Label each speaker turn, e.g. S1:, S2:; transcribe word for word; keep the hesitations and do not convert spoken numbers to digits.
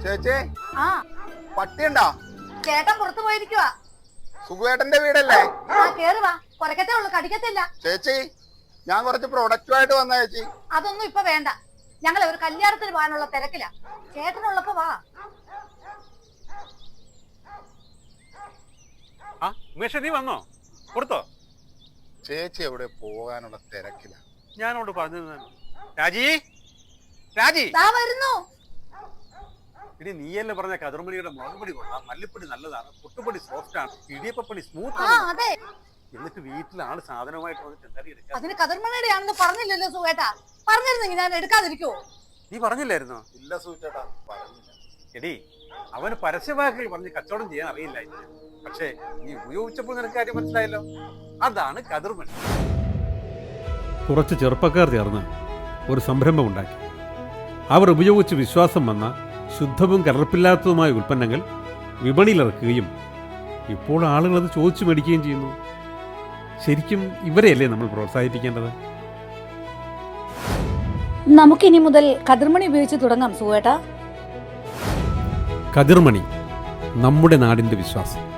S1: ചേച്ചി
S2: ആ
S1: പട്ടിയുണ്ടോ?
S2: ചേട്ടൻ പുറത്തു പോയിരിക്കുവാ.
S1: സുഖേട്ടന്റെ വീടല്ലേ?
S2: ആ കേറി വാ, കുറക്കത്തേ ഉള്ളു, കടിക്കത്തില്ല.
S1: ചേച്ചി ഞാൻ കുറച്ച് പ്രൊഡക്റ്റുമായിട്ട് വന്ന ചേച്ചി.
S2: അതൊന്നും ഇപ്പൊ വേണ്ട, ഞങ്ങളെ ഒരു കല്യാണത്തിന് പോകാനുള്ള തിരക്കില്ല. ചേട്ടനുള്ളപ്പോ വാ.
S3: നീ വന്നോ? കൊടുത്തോ?
S1: ചേച്ചി എവിടെ പോകാനുള്ള തിരക്കില്ല.
S3: ഞാനോട് പറഞ്ഞു രാജി രാജി
S2: വരുന്നു.
S3: ഇനി നീയല്ലേ പറഞ്ഞ കതിർമണിയുടെ മുളകുപൊടി കൊള്ളാം, മല്ലിപ്പൊടി നല്ലതാണ്, പുട്ടുപൊടി സോഫ്റ്റ് ആണ്, ഇടിയപ്പപ്പൊടി സ്മൂത്ത് ആണ്. എന്നിട്ട് വീട്ടിൽ ആള് സാധനമായിട്ട് വന്നിട്ട് എന്തായാലും എടുക്കാം.
S2: അതിന് കതിർമണിയുടെ ആണെന്ന് പറഞ്ഞില്ലല്ലോ സുഖേട്ടാ. പറഞ്ഞിരുന്നെങ്കിൽ ഞാൻ എടുക്കാതിരിക്കുവോ?
S3: നീ പറഞ്ഞില്ലായിരുന്നോ?
S1: ഇല്ല സുഖേട്ടാ പറഞ്ഞില്ല.
S3: എടി അവന് പരസ്യവാക്കുകൾ പറഞ്ഞ് കച്ചവടം ചെയ്യാൻ അറിയില്ല. പക്ഷേ നീ ഉപയോഗിച്ചപ്പോൾ നിനക്ക് കാര്യം മനസ്സിലായല്ലോ. അതാണ് കതിർമണി.
S4: കുറച്ച് ചെറുപ്പക്കാർ ചേർന്ന് ഒരു സംരംഭം ഉണ്ടാക്കി. അവർ ഉപയോഗിച്ച് വിശ്വാസം വന്ന ശുദ്ധവും കലർപ്പില്ലാത്തതുമായ ഉൽപ്പന്നങ്ങൾ വിപണിയിലിറക്കുകയും ഇപ്പോൾ ആളുകൾ അത് ചോദിച്ചു മേടിക്കുകയും ചെയ്യുന്നു. ശരിക്കും ഇവരെയല്ലേ നമ്മൾ പ്രോത്സാഹിപ്പിക്കേണ്ടത്?
S2: നമുക്കിനി മുതൽ കതിർമണി ഉപയോഗിച്ച് തുടങ്ങാം സുഖേട്ടാ.
S4: കതിർമണി, നമ്മുടെ നാടിൻ്റെ വിശ്വാസം.